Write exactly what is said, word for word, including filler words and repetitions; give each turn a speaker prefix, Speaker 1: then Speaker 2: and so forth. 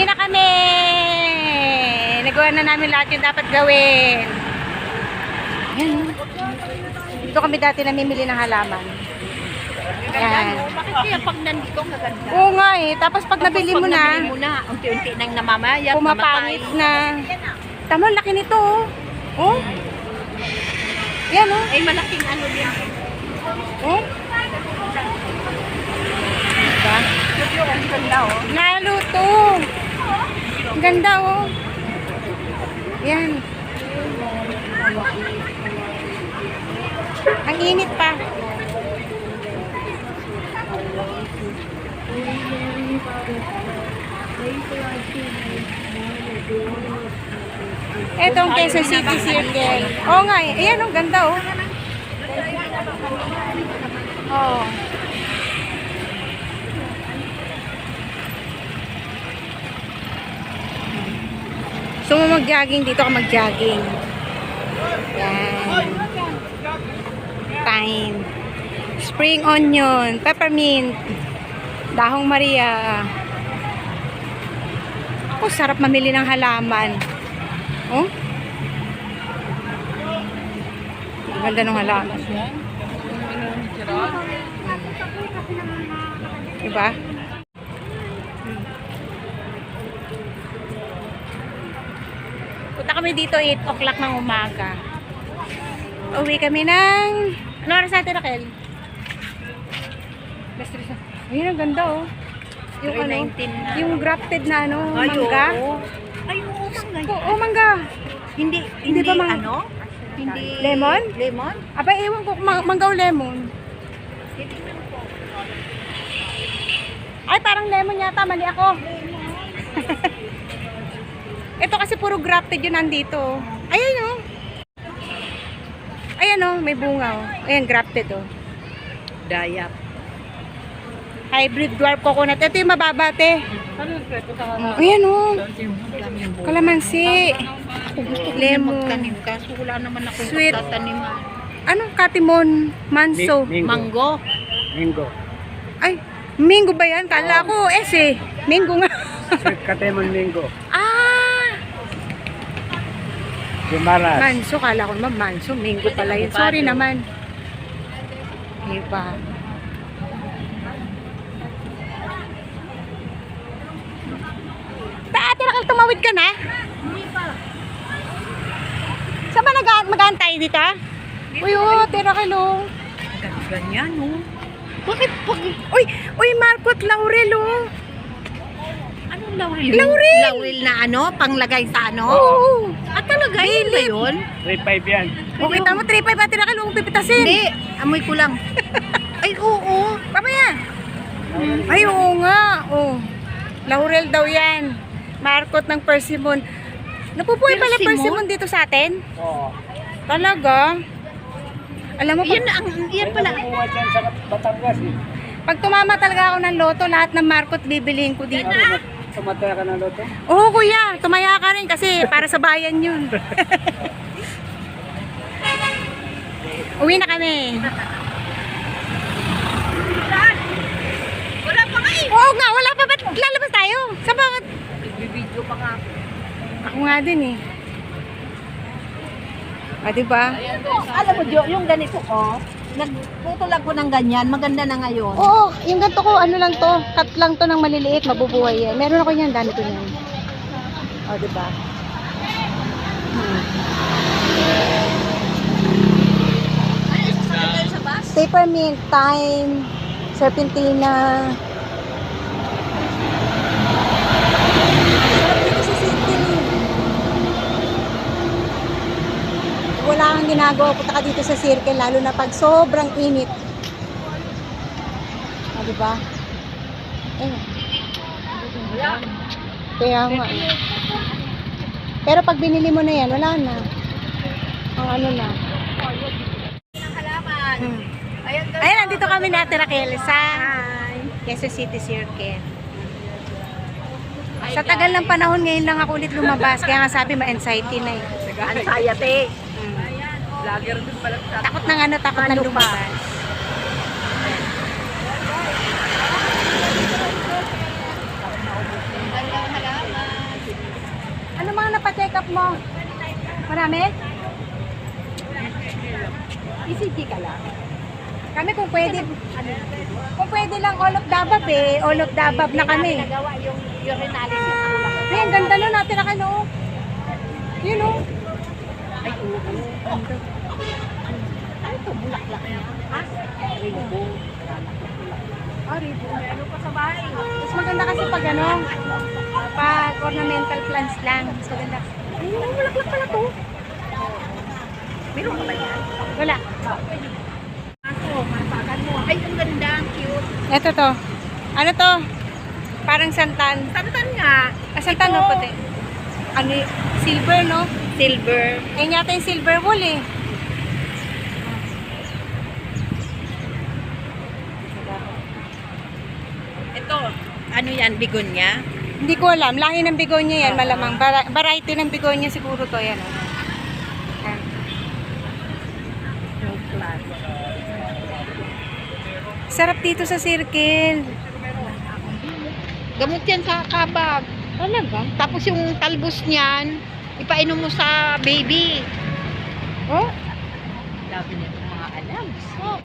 Speaker 1: Uwi na kami! Nagawa na namin lahat yung dapat gawin. Yan. Dito kami dati namimili ng halaman. Yan.
Speaker 2: Bakit kaya pag nandito maganda?
Speaker 1: Oo nga eh. Tapos pag nabili mo na,
Speaker 2: Nabili mo na, unti-unti nang namamayat,
Speaker 1: pumapangit na. Tama, laki nito oh. Oh? Yan oh.
Speaker 2: Ay, malaking ano din.
Speaker 1: Oh? Diba?
Speaker 2: Ang ganda, oh.
Speaker 1: Naluto. Ang ganda oh. Yan. Ang init pa. Etong Quezon City Circle. Oo nga eh. Ayan, ang ganda oh. Oh. So, mag-jogging dito ka mag-jogging. Yan. Thyme. Spring onion, peppermint, dahong Maria. Ako, sarap mamili ng halaman. Oh? Ganda ng halaman. Diba? Punta kami dito eight o'clock ng umaga. Uwi kami ng... Ano oras natin, Raquel? Ayun, ang ganda oh. Yung ano,
Speaker 2: na.
Speaker 1: yung grafted na ano,
Speaker 2: Ay,
Speaker 1: mangga.
Speaker 2: oo. Ay, oo, mangga.
Speaker 1: Oo, oh, mangga.
Speaker 2: Hindi,
Speaker 1: Hindi
Speaker 2: hindi,
Speaker 1: ba mang-
Speaker 2: ano? Hindi.
Speaker 1: Lemon?
Speaker 2: Lemon?
Speaker 1: Aba, ewan ko, kung mang- mangga o lemon.
Speaker 2: Titignan ko.
Speaker 1: Ay, parang lemon yata, mali ako. Ito kasi puro grafted yun nandito. Ayan oh. Ayan oh, may bunga oh. Ayan, grafted oh.
Speaker 2: Dayap.
Speaker 1: Hybrid dwarf coconut. Ito yung mababa, te. Oh, ayan oh. Kalamansi.
Speaker 2: Ako gusto ko
Speaker 1: Lemon.
Speaker 2: magtanim kaso wala naman akong
Speaker 1: Sweet.
Speaker 2: pagtatanim.
Speaker 1: Anong katimon? Manso.
Speaker 3: Mingo.
Speaker 2: Mango.
Speaker 3: Mingo.
Speaker 1: Ay, mingo ba yan? Kala ko, S eh. Mingo nga.
Speaker 3: Sweet katemon mingo.
Speaker 1: Ah!
Speaker 3: Gumaras.
Speaker 1: Manso, kala ko naman manso. Mingo pala yun. Sorry naman. Diba? Ate, nakal tumawid ka na?
Speaker 2: Hindi pa.
Speaker 1: Saan ba nag- mag-aantay dito? Uy, oh, tira kilo.
Speaker 2: Ganyan, oh.
Speaker 1: Bakit pag... Uy, uy, Marcot Laurel, oh.
Speaker 2: Anong laurel?
Speaker 1: Laurel!
Speaker 2: Laurel na ano? Panglagay sa ano?
Speaker 1: Oo.
Speaker 2: Ah, talaga? Yun ba yun?
Speaker 3: three five yan.
Speaker 1: O, kita mo, three five, tira kilo, kung pipitasin.
Speaker 2: Hindi. Amoy ko lang. Ay, oo.
Speaker 1: Pamaya. Ay, oo nga. Oh. Laurel daw yan. Marcot ng persimmon. Napupuhay pala
Speaker 2: Persimmon?
Speaker 1: persimmon dito sa atin?
Speaker 3: Oo.
Speaker 1: Talaga? Alam mo,
Speaker 2: Yan,
Speaker 1: pag,
Speaker 2: ang, yan pala.
Speaker 3: Kumuha dyan sa Batangas eh.
Speaker 1: pag tumama talaga ako ng loto, lahat ng Marcot bibilihin ko dito.
Speaker 3: Tumataya ka ng loto?
Speaker 1: Oo, kuya. Tumaya ka rin kasi para sa bayan yun. Uwi na kami.
Speaker 2: Wala pa nga eh.
Speaker 1: Oo nga, wala pa. Ba't lalabas tayo? Sa bakit?
Speaker 2: Video pa nga.
Speaker 1: Ako nga din eh. Ah, diba?
Speaker 2: Alam mo, Jo, yung ganito ko, nagputol ako ng ganyan, maganda na ngayon.
Speaker 1: Oo, yung ganito ko, ano lang to, cut lang to ng maliliit, mabubuhay yan. Meron ako yan, dami ko yan. O, diba? Hmm.
Speaker 2: Ay, sasakit kayo sa bus?
Speaker 1: Peppermint, thyme, serpentina. Sarap dito sa city. Wala kang ginagawa, punta ka dito sa circle, lalo na pag sobrang init. O, diba? Eh. Kaya nga. Pero pag binili mo na yan, wala na. Ang ano na.
Speaker 2: Halaman.
Speaker 1: Hmm.
Speaker 2: Ayan,
Speaker 1: Ayan, nandito kami na Raquel sa Quezon City Circle. Sa tagal ng panahon, ngayon lang ako ulit lumabas. Kaya nga sabi, ma-anxiety na eh.
Speaker 2: Anxiety.
Speaker 1: Hmm.
Speaker 2: Vlogger din pala sa
Speaker 1: Takot ng ano, takot ng lumabas.
Speaker 2: halaman.
Speaker 1: stock mo? Marami? E C G ka lang. Kami kung pwede, kung pwede lang all of the above eh. All of the above na kami.
Speaker 2: Nagawa yung urinalysis ko lang.
Speaker 1: Ay, ang ganda nun natin na ano. Yun o.
Speaker 2: Ay, oo. Ano ito? Bulaklak niya? Ha? Rainbow.
Speaker 1: Ah, ribo.
Speaker 2: Ano pa sa bahay?
Speaker 1: Mas maganda kasi pag ano, pag ornamental plants lang. Mas maganda.
Speaker 2: Ay, bulaklak pala to. Meron ka ba yan?
Speaker 1: Wala.
Speaker 2: Ako, masagan mo. Ay, ang ganda. Ang cute.
Speaker 1: Ito to. Ano to? Parang santan.
Speaker 2: Santan nga.
Speaker 1: Ah, santan
Speaker 2: Ito.
Speaker 1: no, puti. Ano, y- silver no?
Speaker 2: Silver.
Speaker 1: Yan yata yung silver wool eh.
Speaker 2: Ito, ano yan? Bigonya?
Speaker 1: Hindi ko alam. Lahi ng bigonya yan, malamang. Vari- variety ng bigonya siguro to yan. Oh. Yan.
Speaker 2: Yung class.
Speaker 1: Sarap dito sa circle.
Speaker 2: Gamot yan sa kabag.
Speaker 1: Talaga?
Speaker 2: Tapos yung talbos niyan, ipainom mo sa baby.
Speaker 1: Oh?
Speaker 2: Dami nito mga alam.